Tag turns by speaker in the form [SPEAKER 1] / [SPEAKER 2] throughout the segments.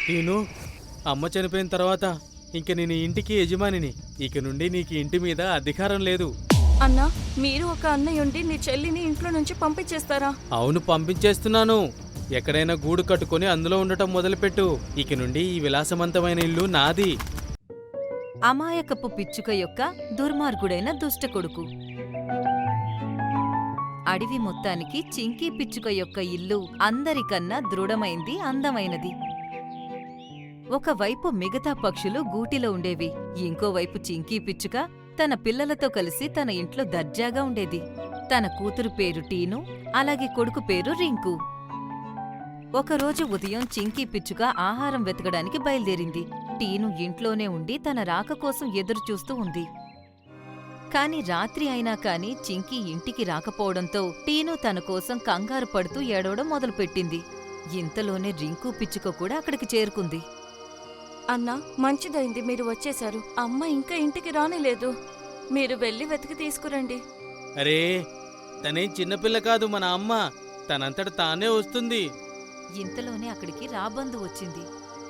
[SPEAKER 1] టీను, అమ్మ చనిపోయిన తర్వాత ఇంక నేను ఈ ఇంటికి యజమానిని. ఇక నుండి నీకు ఇంటి మీద అధికారం లేదు.
[SPEAKER 2] అన్నా, మీరు ఒక అన్నయ్య ఉండి నీ చెల్లిని ఇంట్లో నుంచి పంపించేస్తారా?
[SPEAKER 1] అవును, పంపించేస్తున్నాను. ఎక్కడైనా గూడు కట్టుకొని అందులో ఉండటం మొదలుపెట్టు. ఇక నుండి ఈ విలాసవంతమైన ఇల్లు నాది.
[SPEAKER 3] అమాయకపు పిచ్చుక యొక్క దుర్మార్గుడైన దుష్ట కొడుకు. అడవి మొత్తానికి చింకీ పిచ్చుక యొక్క ఇల్లు అందరికన్నా దృఢమైంది, అందమైనది. ఒకవైపు మిగతా పక్షులు గూటిలో ఉండేవి, ఇంకోవైపు చింకీ పిచ్చుక తన పిల్లలతో కలిసి తన ఇంట్లో దర్జాగా ఉండేది. తన కూతురు పేరు టీను, అలాగే కొడుకు పేరు రింకు. ఒకరోజు ఉదయం చింకీ పిచ్చుక ఆహారం వెతకడానికి బయలుదేరింది. టీను ఇంట్లోనే ఉండి తన రాక కోసం ఎదురుచూస్తూ ఉంది. కాని రాత్రి అయినా కాని చింకీ ఇంటికి రాకపోవడంతో టీను తన కోసం కంగారు పడుతూ ఏడవడం మొదలుపెట్టింది. ఇంతలోనే రింకు పిచ్చుక కూడా అక్కడికి చేరుకుంది.
[SPEAKER 2] అన్నా, మంచిదైంది మీరు వచ్చేశారు. అమ్మ ఇంకా ఇంటికి రానేలేదు. మీరు వెళ్ళి వెతికి తీసుకురండి.
[SPEAKER 1] అరే, తనేం చిన్నపిల్ల కాదు, మన అమ్మ. తనంతట తానే వస్తుంది.
[SPEAKER 3] ఇంతలోనే అక్కడికి రాబందు వచ్చింది.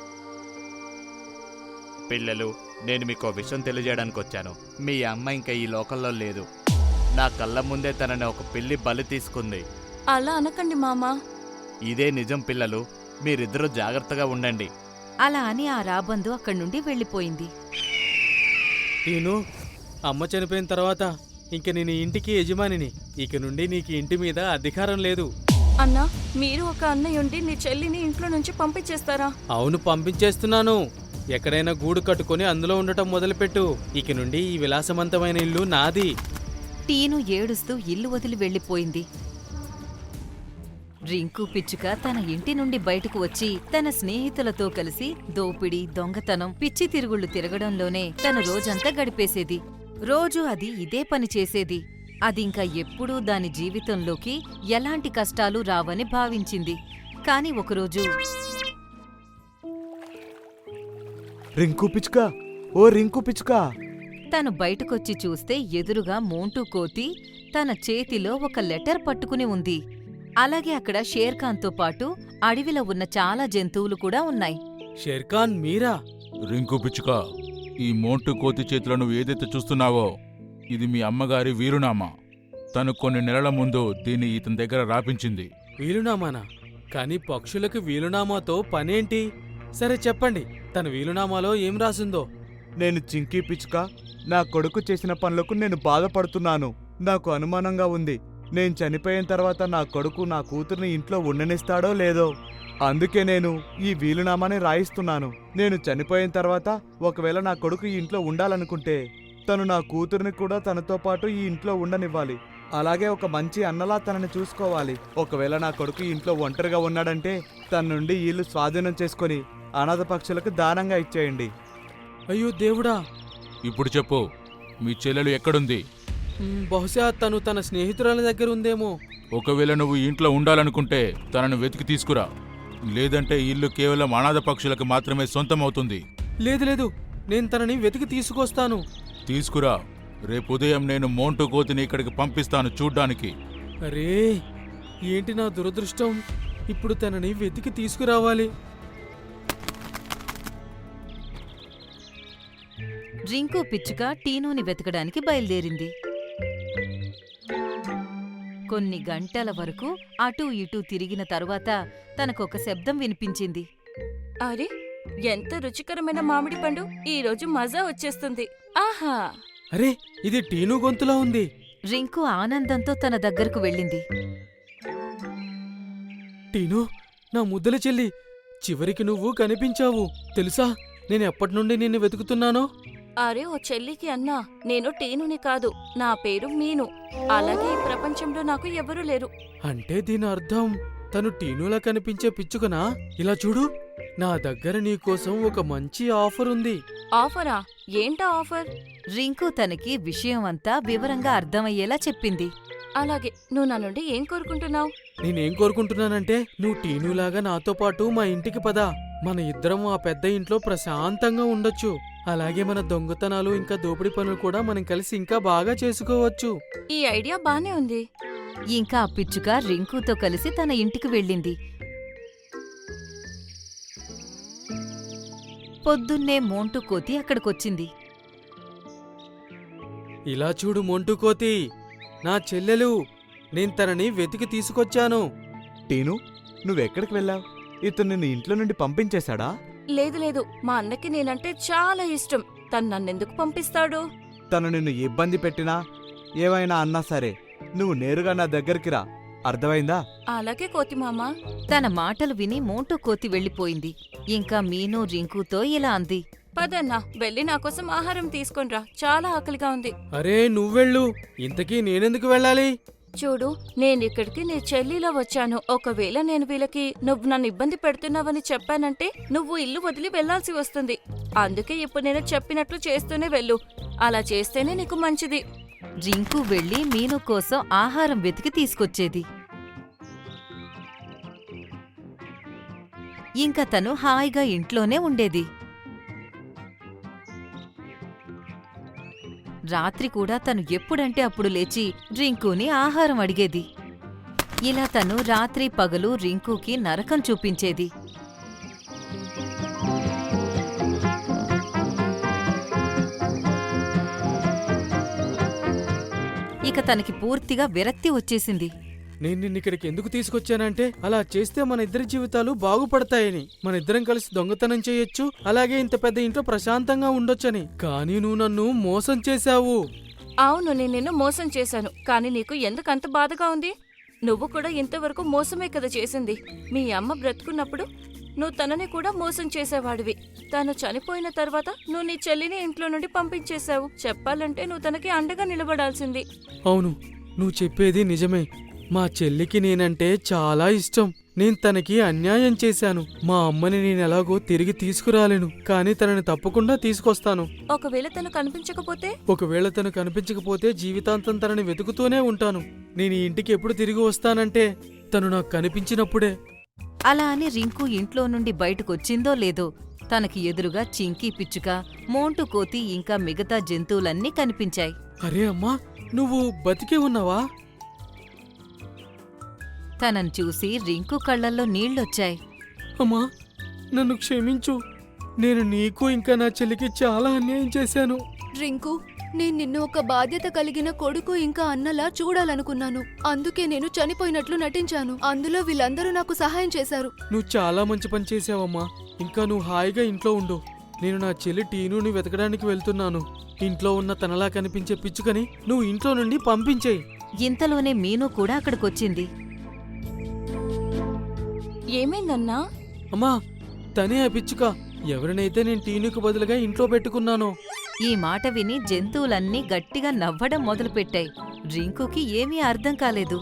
[SPEAKER 4] పిల్లలు, నేను మీకో విషయం తెలియజేయడానికి వచ్చాను. మీ అమ్మ ఇంకా ఈ లోకంలో లేదు. నా కళ్ళ ముందే తనని ఒక పిల్లి బలి తీసుకుంది.
[SPEAKER 2] అలా అనకండి మామా.
[SPEAKER 4] ఇదే నిజం పిల్లలు, మీరిద్దరూ జాగ్రత్తగా ఉండండి.
[SPEAKER 3] అలా అని ఆ రాబందు అక్కడి నుండి వెళ్ళిపోయింది.
[SPEAKER 1] టీను, అమ్మ చనిపోయిన తర్వాత ఇంక నేను ఈ ఇంటికి యజమానిని. ఇక నుండి నీకు ఇంటి మీద అధికారం లేదు.
[SPEAKER 2] అన్నా, మీరు ఒక అన్నయ్య ఉండి నీ చెల్లిని ఇంట్లో నుంచి పంపించేస్తారా?
[SPEAKER 1] అవును, పంపించేస్తున్నాను. ఎక్కడైనా గూడు కట్టుకొని అందులో ఉండటం మొదలుపెట్టు. ఇక నుండి ఈ విలాసవంతమైన ఇల్లు నాది.
[SPEAKER 3] టీను ఏడుస్తూ ఇల్లు వదిలి వెళ్ళిపోయింది. రింకు పిచ్చుక తన ఇంటి నుండి బయటకు వచ్చి తన స్నేహితులతో కలిసి దోపిడీ, దొంగతనం, పిచ్చి తిరుగుళ్లు తిరగడంలోనే తన రోజంతా గడిపేసేది. రోజూ అది ఇదే పని చేసేది. అదింకా ఎప్పుడూ దాని జీవితంలోకి ఎలాంటి కష్టాలు రావని భావించింది. కాని ఒకరోజు,
[SPEAKER 5] రింకు పిచ్చుక, ఓ రింకు పిచ్చుక!
[SPEAKER 3] తను బయటకొచ్చి చూస్తే ఎదురుగా మోంటూ కోతి తన చేతిలో ఒక లెటర్ పట్టుకుని ఉంది. అలాగే అక్కడ షేర్ఖాన్తో పాటు అడవిలో ఉన్న చాలా జంతువులు కూడా ఉన్నాయి.
[SPEAKER 1] షేర్ఖాన్, మీరా?
[SPEAKER 6] రింకు పిచ్చుక, ఈ మోంటు కోతి చేతిలో నువ్వు ఏదైతే చూస్తున్నావో ఇది మీ అమ్మగారి వీలునామా. తను కొన్ని నెలల ముందు దీన్ని ఇతని దగ్గర రాపించింది.
[SPEAKER 1] వీలునామానా? కాని పక్షులకు వీలునామాతో పనేంటి? సరే చెప్పండి, తన వీలునామాలో ఏం రాసిందో.
[SPEAKER 5] నేను చింకీ పిచ్చుక. నా కొడుకు చేసిన పనులకు నేను బాధపడుతున్నాను. నాకు అనుమానంగా ఉంది. నేను చనిపోయిన తర్వాత నా కొడుకు నా కూతుర్ని ఇంట్లో ఉండనిస్తాడో లేదో. అందుకే నేను ఈ వీలునామాని రాయిస్తున్నాను. నేను చనిపోయిన తర్వాత ఒకవేళ నా కొడుకు ఈ ఇంట్లో ఉండాలనుకుంటే తను నా కూతుర్ని కూడా తనతో పాటు ఈ ఇంట్లో ఉండనివ్వాలి. అలాగే ఒక మంచి అన్నలా తనని చూసుకోవాలి. ఒకవేళ నా కొడుకు ఈ ఇంట్లో ఒంటరిగా ఉన్నాడంటే తన నుండి ఇల్లు స్వాధీనం చేసుకొని అనాథ పక్షులకు దానంగా ఇచ్చేయండి.
[SPEAKER 1] అయ్యో దేవుడా!
[SPEAKER 6] ఇప్పుడు చెప్పు, మీ చెల్లెలు ఎక్కడుంది?
[SPEAKER 1] బహుశా తను తన స్నేహితురాల దగ్గర ఉందేమో.
[SPEAKER 6] ఒకవేళ నువ్వు ఈ ఇంట్లో ఉండాలనుకుంటే తనను వెతికి తీసుకురా. లేదంటే ఈ ఇల్లు కేవలం అనాథ పక్షులకు మాత్రమే సొంతమవుతుంది.
[SPEAKER 1] లేదు లేదు, నేను తనని వెతికి తీసుకొస్తాను.
[SPEAKER 6] తీసుకురా. రేపు ఉదయం నేను మోంటు కోతిని ఇక్కడికి పంపిస్తాను చూడ్డానికి.
[SPEAKER 1] అరే, ఏంటి నా దురదృష్టం! ఇప్పుడు తనని వెతికి తీసుకురావాలి.
[SPEAKER 3] రింకు పిచ్చుక టీనుని వెతకడానికి బయలుదేరింది. కొన్ని గంటల వరకు అటూ ఇటూ తిరిగిన తరువాత తనకొక శబ్దం వినిపించింది.
[SPEAKER 2] అరే, ఎంత రుచికరమైన మామిడి పండు! ఈరోజు మజా వచ్చేస్తుంది. ఆహా!
[SPEAKER 1] అరే, ఇది టీను గొంతులా ఉంది.
[SPEAKER 3] రింకు ఆనందంతో తన దగ్గరకు వెళ్ళింది.
[SPEAKER 1] టీను, నా ముద్దల చెల్లి, చివరికి నువ్వు కనిపించావు. తెలుసా, నేను ఎప్పటినుండి నిన్ను వెతుకుతున్నానో?
[SPEAKER 2] అరే ఓ చెల్లికి అన్నా, నేను టీనుని కాదు, నా పేరు మీను. అలాగే ఈ ప్రపంచంలో నాకు ఎవరూ లేరు.
[SPEAKER 1] అంటే దీని అర్థం తను టీనులా కనిపించే పిచ్చుకనా? ఇలా చూడు, నా దగ్గర నీకోసం ఒక మంచి ఆఫర్ ఉంది.
[SPEAKER 2] ఆఫరా? ఏంటా ఆఫర్?
[SPEAKER 3] రింకు తనకి విషయం అంతా వివరంగా అర్థమయ్యేలా చెప్పింది.
[SPEAKER 2] అలాగే, నువ్వు నా నుండి ఏం కోరుకుంటున్నావు?
[SPEAKER 1] నేనేం కోరుకుంటున్నానంటే, నువ్వు టీనులాగా నాతో పాటు మా ఇంటికి పద. మన ఇద్దరం ఆ పెద్ద ఇంట్లో ప్రశాంతంగా ఉండొచ్చు. అలాగే మన దొంగతనాలు ఇంకా దోపిడీ పనులు కూడా మనం కలిసి ఇంకా బాగా చేసుకోవచ్చు.
[SPEAKER 2] ఈ ఐడియా బానే ఉంది.
[SPEAKER 3] ఇంకా ఆ పిచ్చుక రింకుతో కలిసి తన ఇంటికి వెళ్ళింది. పొద్దున్నే మోంటు కోతి అక్కడికొచ్చింది.
[SPEAKER 1] ఇలా చూడు మొంటు కోతి, నా చెల్లెలు. నేను తనని వెతికి తీసుకొచ్చాను.
[SPEAKER 5] టీను, నువ్వెక్కడికి వెళ్ళావు? ఇతను నిన్ను ఇంట్లో నుండి పంపించేశాడా?
[SPEAKER 2] లేదు లేదు, మా అన్నకి నేనంటే చాలా ఇష్టం. తను నన్నెందుకు పంపిస్తాడు?
[SPEAKER 5] తను నిన్ను ఇబ్బంది పెట్టినా ఏమైనా అన్నా సరే నువ్వు నేరుగా నా దగ్గరికి రా, అర్థమైందా?
[SPEAKER 2] అలాగే కోతిమామ.
[SPEAKER 3] తన మాటలు విని మోంటు కోతి వెళ్ళిపోయింది. ఇంకా మీను రింకుతో ఇలా అంది.
[SPEAKER 2] పదన్నా, వెళ్ళి నా కోసం ఆహారం తీసుకొనిరా, చాలా ఆకలిగా ఉంది.
[SPEAKER 1] అరే నువ్వెళ్ళు, ఇంతకీ నేనెందుకు వెళ్ళాలి?
[SPEAKER 2] చూడు, నేనిక్కడికి నీ చెల్లిలో వచ్చాను. ఒకవేళ నేను వీళ్ళకి నువ్వు నన్ను ఇబ్బంది పెడుతున్నావని చెప్పానంటే నువ్వు ఇల్లు వదిలి వెళ్లాల్సి వస్తుంది. అందుకే ఇప్పుడు నేను చెప్పినట్లు చేస్తూనే వెళ్ళు. అలా చేస్తేనే నీకు మంచిది.
[SPEAKER 3] రింకు వెళ్లి మీను కోసం ఆహారం వెతికి తీసుకొచ్చేది. ఇంకా తను హాయిగా ఇంట్లోనే ఉండేది. రాత్రి కూడా తను ఎప్పుడంటే అప్పుడు లేచి రింకుని ఆహారం అడిగేది. ఇలా తను రాత్రి పగలు రింకుకి నరకం చూపించేది. ఇక తనకి పూర్తిగా విరక్తి వచ్చేసింది.
[SPEAKER 1] నేను నిన్నిక్కడికి ఎందుకు తీసుకొచ్చానంటే అలా చేస్తే మన ఇద్దరి జీవితాలు బాగుపడతాయని. మన ఇద్దరం కలిసి దొంగతనం చేయొచ్చు, అలాగే ఇంత పెద్ద ఇంట్లో ప్రశాంతంగా ఉండొచ్చని. కానీ నువ్వు నన్ను మోసం చేశావు.
[SPEAKER 2] అవును, నేను నిన్ను మోసం చేశాను. కానీ నీకు ఎందుకంత బాధగా ఉంది? నువ్వు కూడా ఇంతవరకు మోసమే కదా చేసింది. మీ అమ్మ బ్రతుకున్నప్పుడు నువ్వు తనని కూడా మోసం చేసేవాడివి. తను చనిపోయిన తర్వాత నువ్వు నీ చెల్లిని ఇంట్లో నుండి పంపించేశావు. చెప్పాలంటే నువ్వు తనకి అండగా నిలబడాల్సింది.
[SPEAKER 1] అవును, నువ్వు చెప్పేది నిజమే. మా చెల్లికి నేనంటే చాలా ఇష్టం. నేను తనకి అన్యాయం చేశాను. మా అమ్మని నేనెలాగో తిరిగి తీసుకురాలేను, కానీ తనని తప్పకుండా తీసుకొస్తాను.
[SPEAKER 2] ఒకవేళ తను కనిపించకపోతే?
[SPEAKER 1] ఒకవేళ తను కనిపించకపోతే జీవితాంతం తనని వెతుకుతూనే ఉంటాను. నేను ఈ ఇంటికి ఎప్పుడు తిరిగి వస్తానంటే తను నాకు కనిపించినప్పుడే.
[SPEAKER 3] అలా అని రింకు ఇంట్లో నుండి బయటకొచ్చిందో లేదో తనకి ఎదురుగా చింకీ పిచ్చుక, మోంటు కోతి ఇంకా మిగతా జంతువులన్నీ కనిపించాయి.
[SPEAKER 1] అరే అమ్మా, నువ్వు బతికే ఉన్నావా?
[SPEAKER 3] తనను చూసి రింకు కళ్ళల్లో నీళ్లొచ్చాయి.
[SPEAKER 1] అమ్మా, నన్ను క్షమించు. నేను నీకు ఇంకా నా చెల్లికి చాలా అన్యాయం చేశాను.
[SPEAKER 7] రింకు, నేను నిన్ను ఒక బాధ్యత కలిగిన కొడుకు ఇంకా అన్నలా చూడాలనుకున్నాను. అందుకే నేను చనిపోయినట్లు నటించాను. అందులో వీళ్ళందరూ నాకు సహాయం చేశారు.
[SPEAKER 1] నువ్వు చాలా మంచి పని చేసావమ్మా. ఇంకా నువ్వు హాయిగా ఇంట్లో ఉండు. నేను నా చెల్లి టీనుని వెతకడానికి వెళ్తున్నాను. ఇంట్లో ఉన్న తనలా కనిపించే పిచ్చుకని నువ్వు ఇంట్లో నుండి పంపించేయి.
[SPEAKER 3] ఇంతలోనే మీను కూడా అక్కడికొచ్చింది.
[SPEAKER 2] ఏమైందన్నా?
[SPEAKER 1] అమ్మా, తనే ఆ పిచ్చుక. ఎవరినైతే నేను టీనుకు బదులుగా ఇంట్లో పెట్టుకున్నానో.
[SPEAKER 3] ఈ మాట విని జంతువులన్నీ గట్టిగా నవ్వడం మొదలుపెట్టాయి. రింకుకి ఏమీ అర్థం కాలేదు.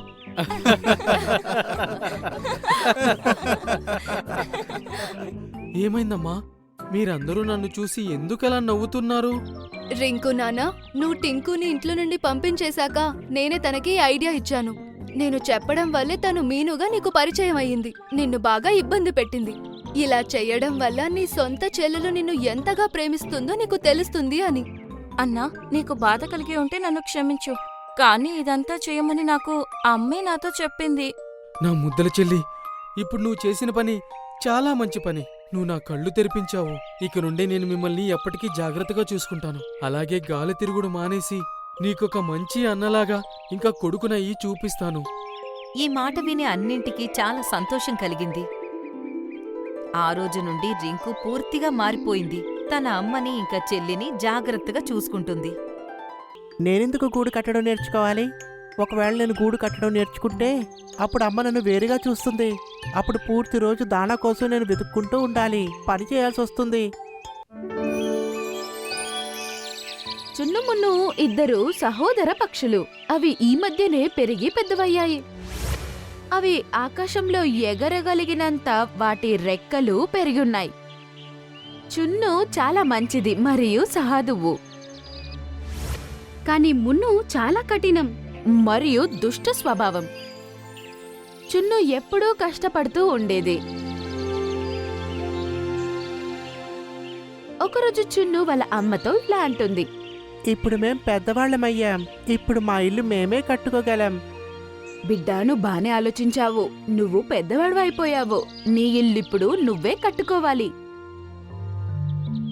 [SPEAKER 1] ఏమైందమ్మా? మీరందరూ నన్ను చూసి ఎందుకలా నవ్వుతున్నారు?
[SPEAKER 7] రింకు నానా, నువ్వు టింకుని ఇంట్లో నుండి పంపించేశాక నేనే తనకి ఈ ఐడియా ఇచ్చాను. నేను చెప్పడం వల్లే తను మీనుగా నీకు పరిచయం అయ్యింది. నిన్ను బాగా ఇబ్బంది పెట్టింది. ఇలా చెయ్యడం వల్ల నీ సొంత చెల్లెలు నిన్ను ఎంతగా ప్రేమిస్తుందో నీకు తెలుస్తుంది అని.
[SPEAKER 2] అన్నా, నీకు బాధ కలిగి ఉంటే నన్ను క్షమించు. కానీ ఇదంతా చేయమని నాకు అమ్మే నాతో చెప్పింది.
[SPEAKER 1] నా ముద్దల చెల్లి, ఇప్పుడు నువ్వు చేసిన పని చాలా మంచి పని. నువ్వు నా కళ్ళు తెరిపించావు. ఇక నుండి నేను మిమ్మల్ని ఎప్పటికీ జాగ్రత్తగా చూసుకుంటాను. అలాగే గాలి తిరుగుడు మానేసి నీకొక మంచి అన్నలాగా ఇంకా కొడుకునయ్యి చూపిస్తాను.
[SPEAKER 3] ఈ మాట విని అన్నింటికీ చాలా సంతోషం కలిగింది. ఆ రోజు నుండి రింకు పూర్తిగా మారిపోయింది. తన అమ్మని ఇంకా చెల్లిని జాగ్రత్తగా చూసుకుంటుంది.
[SPEAKER 8] నేనెందుకు గూడు కట్టడం నేర్చుకోవాలి? ఒకవేళ నేను గూడు కట్టడం నేర్చుకుంటే అప్పుడు అమ్మ నన్ను వేరుగా చూస్తుంది. అప్పుడు పూర్తి రోజు దానా కోసం నేను వెతుక్కుంటూ ఉండాలి, పని చేయాల్సి వస్తుంది.
[SPEAKER 9] చున్నుమున్ను ఇద్దరు సహోదర పక్షులు. అవి ఈ మధ్యనే పెరిగి పెద్దవయ్యాయి. అవి ఆకాశంలో ఎగరగలిగినంత వాటి రెక్కలు పెరిగున్నాయి. చున్ను చాలా మంచిది మరియు సహాదువు. కాని మున్ను చాలా కఠినం మరియు దుష్ట స్వభావం. చున్ను ఎప్పుడూ కష్టపడుతూ ఉండేది. ఒకరోజు చున్ను వాళ్ళ అమ్మతో ఇలా అంటుంది.
[SPEAKER 8] ఇప్పుడు మేం పెద్దవాళ్ళమయ్యాం. ఇప్పుడు మా ఇల్లు మేమే కట్టుకోగలం.
[SPEAKER 9] బిడ్డా, నువ్వు బానే ఆలోచించావు. నువ్వు పెద్దవాడు అయిపోయావు. నీ ఇల్లిప్పుడు నువ్వే కట్టుకోవాలి.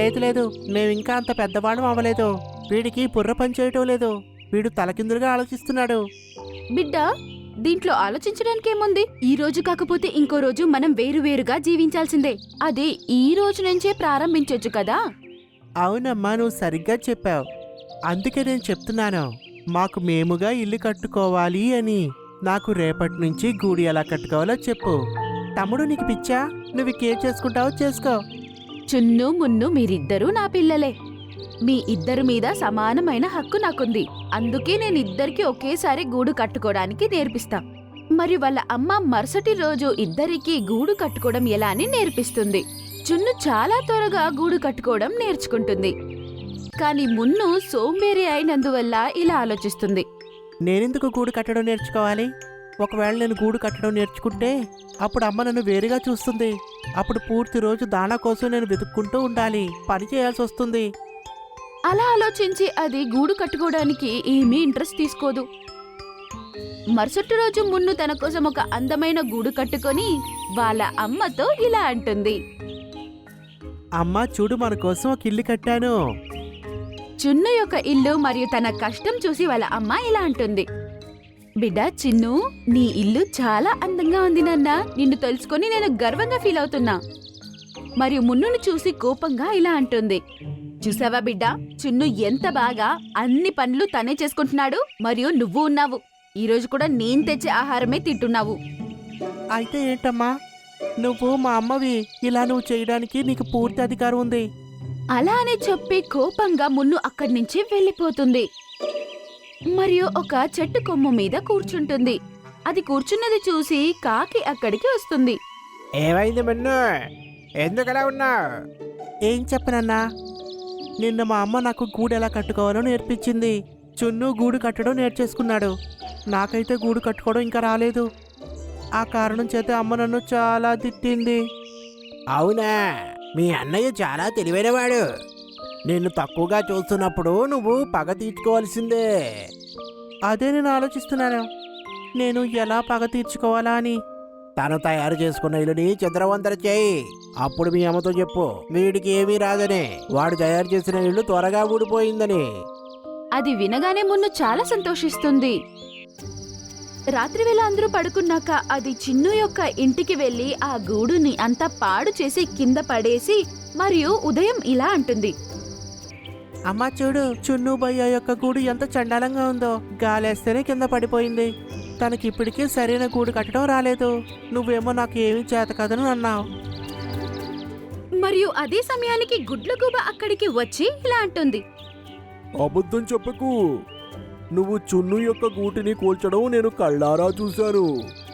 [SPEAKER 8] లేదు లేదు మేమింకా అంత పెద్దవాడు అవ్వలేదు. వీడికి బుర్ర పని చేయటం లేదు. వీడు తలకిందులుగా ఆలోచిస్తున్నాడు.
[SPEAKER 9] బిడ్డ, దీంట్లో ఆలోచించడానికి ఏముంది? ఈ రోజు కాకపోతే ఇంకో రోజు మనం వేరువేరుగా జీవించాల్సిందే. అది ఈ రోజు నుంచే ప్రారంభించొచ్చు కదా.
[SPEAKER 8] అవునమ్మా, నువ్వు సరిగ్గా చెప్పావు. అందుకే నేను చెప్తున్నాను, మాకు మేముగా ఇల్లు కట్టుకోవాలి అని. నాకు రేపటి నుంచి గూడి ఎలా కట్టుకోవాలో చెప్పు. తమ్ముడు, నీకు పిచ్చా? నువ్వు ఇంకేం చేసుకుంటావో చేసుకో.
[SPEAKER 9] చున్ను మున్ను మీరిద్దరూ నా పిల్లలే. మీ ఇద్దరి మీద సమానమైన హక్కు నాకుంది. అందుకే నేను ఇద్దరికి ఒకేసారి గూడు కట్టుకోవడానికి నేర్పిస్తా. మరి వాళ్ళ అమ్మ మరుసటి రోజు ఇద్దరికీ గూడు కట్టుకోవడం ఎలా అని నేర్పిస్తుంది. చున్ను చాలా త్వరగా గూడు కట్టుకోవడం నేర్చుకుంటుంది. కాని మున్ను సోంబేరి అయినందువల్ల ఇలా ఆలోచిస్తుంది.
[SPEAKER 8] నేనెందుకు గూడు కట్టడం నేర్చుకోవాలి? ఒకవేళ నేను గూడు కట్టడం నేర్చుకుంటే అప్పుడు అమ్మ నన్ను వేరుగా చూస్తుంది. అప్పుడు పూర్తి రోజు దాణా కోసం నేను వెతుక్కుంటూ ఉండాలి, పని చేయాల్సి వస్తుంది.
[SPEAKER 9] అలా ఆలోచించి అది గూడు కట్టుకోవడానికి ఏమీ ఇంట్రెస్ట్ తీసుకోదు. మరుసటి రోజు మున్ను తన కోసం ఒక అందమైన గూడు కట్టుకొని వాళ్ళ అమ్మతో ఇలా అంటుంది.
[SPEAKER 8] అమ్మా చూడు, మన కోసం ఒక ఇల్లు కట్టాను.
[SPEAKER 9] చున్ను యొక్క ఇల్లు మరియు తన కష్టం చూసి వాళ్ళ అమ్మ ఇలా అంటుంది. బిడ్డ చిన్ను, నీ ఇల్లు చాలా అందంగా ఉంది నాన్న. నిన్ను తెలుసుకొని నేను గర్వంగా ఫీల్ అవుతున్నా. మరియు మున్నును చూసి కోపంగా ఇలా అంటుంది. చూసావా బిడ్డ, చున్ను ఎంత బాగా అన్ని పనులు తనే చేసుకుంటున్నాడు. మరియు నువ్వు ఉన్నావు. ఈ రోజు కూడా నేను తెచ్చే ఆహారమే తింటున్నావు.
[SPEAKER 8] అయితే ఏంటమ్మా, నువ్వు మా అమ్మవి. ఇలా నువ్వు చేయడానికి నీకు పూర్తి అధికారం ఉంది.
[SPEAKER 9] అలా అని చెప్పి కోపంగా మున్ను అక్కడి నుంచి వెళ్ళిపోతుంది. మరియు ఒక చెట్టు కొమ్ము మీద కూర్చుంటుంది. అది కూర్చున్నది చూసి కాకి అక్కడికి వస్తుంది.
[SPEAKER 8] ఏమైంది మన్ను, ఎందుకలా ఉన్నావు? ఏం చెప్పనన్నా, నిన్న మా అమ్మ నాకు గూడు ఎలా కట్టుకోవాలో నేర్పించింది. చున్ను గూడు కట్టడం నేర్చేసుకున్నాడు. నాకైతే గూడు కట్టుకోవడం ఇంకా రాలేదు. ఆ కారణం చేత అమ్మ నన్ను చాలా తిట్టింది. అవునా, మీ అన్నయ్య చాలా తెలివైనవాడు. నిన్ను తక్కువగా చూస్తున్నప్పుడు నువ్వు పగ తీర్చుకోవాల్సిందే. అదే నేను ఆలోచిస్తున్నాను, నేను ఎలా పగ తీర్చుకోవాలా అని. తను తయారు చేసుకున్న ఇల్లుని చంద్రవందర చేయి. అప్పుడు మీ అమ్మతో చెప్పు, వీడికి ఏమీ రాదని, వాడు తయారు చేసిన ఇల్లు త్వరగా ఊడిపోయిందని.
[SPEAKER 9] అది వినగానే మున్ను చాలా సంతోషిస్తుంది. రాత్రివేళ అందరూ పడుకున్నాక అది చిన్ను యొక్క ఇంటికి వెళ్లి ఆ గూడుని అంతా పాడు చేసి కింద పడేసి మరియు ఉదయం ఇలా అంటుంది.
[SPEAKER 8] అమ్మా చూడు, చున్ను భయ్య యొక్క గూడు ఎంత చండాలంగా ఉందో. గాలేస్తేనే కింద పడిపోయింది. తనకిప్పటికీ సరైన గూడు కట్టడం రాలేదు. నువ్వేమో నాకు ఏమీ చేత కదని అన్నావు.
[SPEAKER 9] మరియు అదే సమయానికి గుడ్లగూబ అక్కడికి వచ్చి ఇలా అంటుంది.
[SPEAKER 10] అబద్ధం చెప్పకు. నువ్వు చున్ను యొక్క గూటిని కూల్చడం నేను కళ్ళారా చూశాను.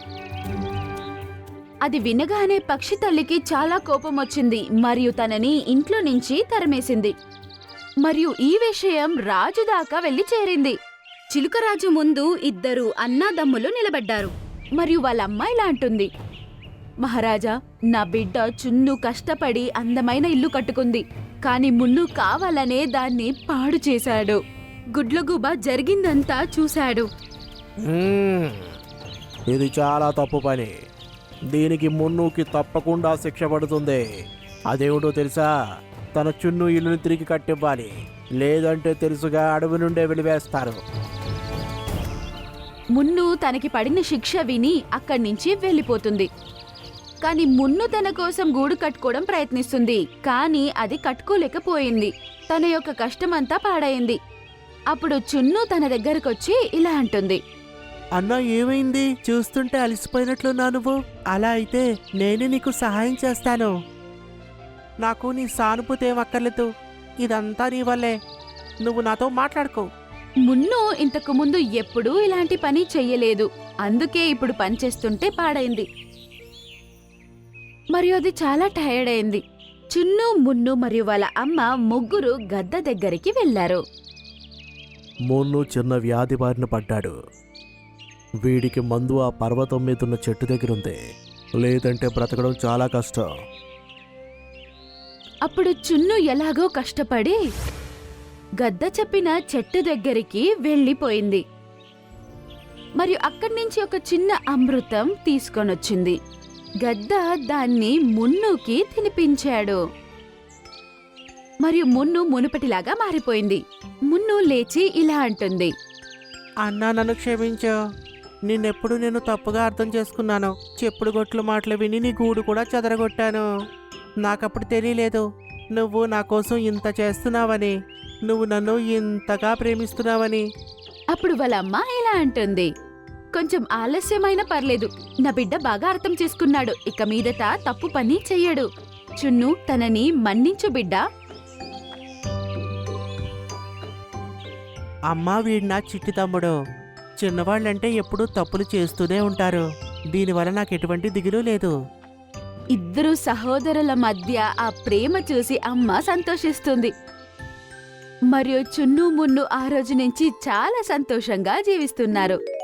[SPEAKER 9] అది వినగానే పక్షి తల్లికి చాలా కోపం వచ్చింది మరియు తనని ఇంట్లో నుంచి తరిమేసింది. మరియు ఈ విషయం రాజు దాకా వెళ్లి చేరింది. చిలుకరాజు ముందు ఇద్దరు అన్నాదమ్ములు నిలబడ్డారు. మరియు వాళ్ళ అమ్మ ఇలా అంటుంది. మహారాజా, నా బిడ్డ చున్ను కష్టపడి అందమైన ఇల్లు కట్టుకుంది. కాని మున్ను కావాలనే దాన్ని పాడు చేశాడు. గుడ్లగూబ జరిగిందంతా చూశాడు.
[SPEAKER 8] ఇది చాలా తప్పు పని. దీనికి మున్నుకి తప్పకుండా శిక్ష పడుతుంది. అదేమిటో తెలుసా? తన చున్ను ఇల్లుని తిరిగి కట్టివ్వాలి, లేదంటే తెలుసుగా అడవి నుండే వెలివేస్తారు.
[SPEAKER 9] మున్ను తనకి పడిన శిక్ష విని అక్కడి నుంచి వెళ్ళిపోతుంది. కాని మున్ను తన కోసం గూడు కట్టుకోవడం ప్రయత్నిస్తుంది. కాని అది కట్టుకోలేకపోయింది. తన యొక్క కష్టమంతా పాడైంది. అప్పుడు చున్ను తన దగ్గరకొచ్చి ఇలా అంటుంది.
[SPEAKER 8] అన్నా, ఏమైంది? చూస్తుంటే అలసిపోయినట్లున్నా నువ్వు. అలా అయితే నేనే నీకు సహాయం చేస్తాను. నాకు నీ సానుభూతి ఏం అక్కర్లేదు. ఇదంతా నీ వల్లే. నువ్వు నాతో మాట్లాడుకో.
[SPEAKER 9] మున్ను ఇంతకు ముందు ఎప్పుడూ ఇలాంటి పని చెయ్యలేదు. అందుకే ఇప్పుడు పనిచేస్తుంటే పాడైంది. మరియు అది చాలా టైర్డ్ అయింది. చున్ను, మున్ను మరియు వాళ్ళ అమ్మ ముగ్గురు గద్ద దగ్గరికి వెళ్లారు.
[SPEAKER 8] మున్ను చిన్న వ్యాధి బారిన పడ్డాడు. వీడికి మందు ఆ పర్వతం మీదున్న చెట్టు దగ్గరుంది, లేదంటే బ్రతకడం చాలా కష్టం.
[SPEAKER 9] అప్పుడు చున్ను ఎలాగో కష్టపడి గద్ద చెప్పిన చెట్టు దగ్గరికి వెళ్ళిపోయింది. మరియు అక్కడి నుంచి ఒక చిన్న అమృతం తీసుకొనొచ్చింది. గద్ద దాన్ని మున్నుకి తినిపించాడు. మరియు మున్ను మునుపటిలాగా మారిపోయింది. మున్ను లేచి ఇలా అంటుంది.
[SPEAKER 8] అన్నా నన్ను క్షమించు. నిన్నెప్పుడు నేను తప్పుగా అర్థం చేసుకున్నాను. చెప్పుడు గొట్లు మాటలు విని నీ గూడు కూడా చెదరగొట్టాను. నాకప్పుడు తెలియలేదు నువ్వు నా కోసం ఇంత చేస్తున్నావని, నువ్వు నన్ను ఇంతగా ప్రేమిస్తున్నావని.
[SPEAKER 9] అప్పుడు వాళ్ళ అమ్మ ఇలా అంటుంది. కొంచెం ఆలస్యమైనా పర్లేదు, నా బిడ్డ బాగా అర్థం చేసుకున్నాడు. ఇక మీదట తప్పు పని చెయ్యడు. చున్ను తనని మన్నించు బిడ్డా.
[SPEAKER 8] అమ్మా వీడు నా చిట్టి తమ్ముడు. చిన్నవాళ్ళంటే ఎప్పుడూ తప్పులు చేస్తూనే ఉంటారు. దీనివల్ల నాకు ఎటువంటి దిగులు లేదు.
[SPEAKER 9] ఇద్దరు సహోదరుల మధ్య ఆ ప్రేమ చూసి అమ్మ సంతోషిస్తుంది. మరియు చున్ను మున్ను ఆ రోజు నుంచి చాలా సంతోషంగా జీవిస్తున్నారు.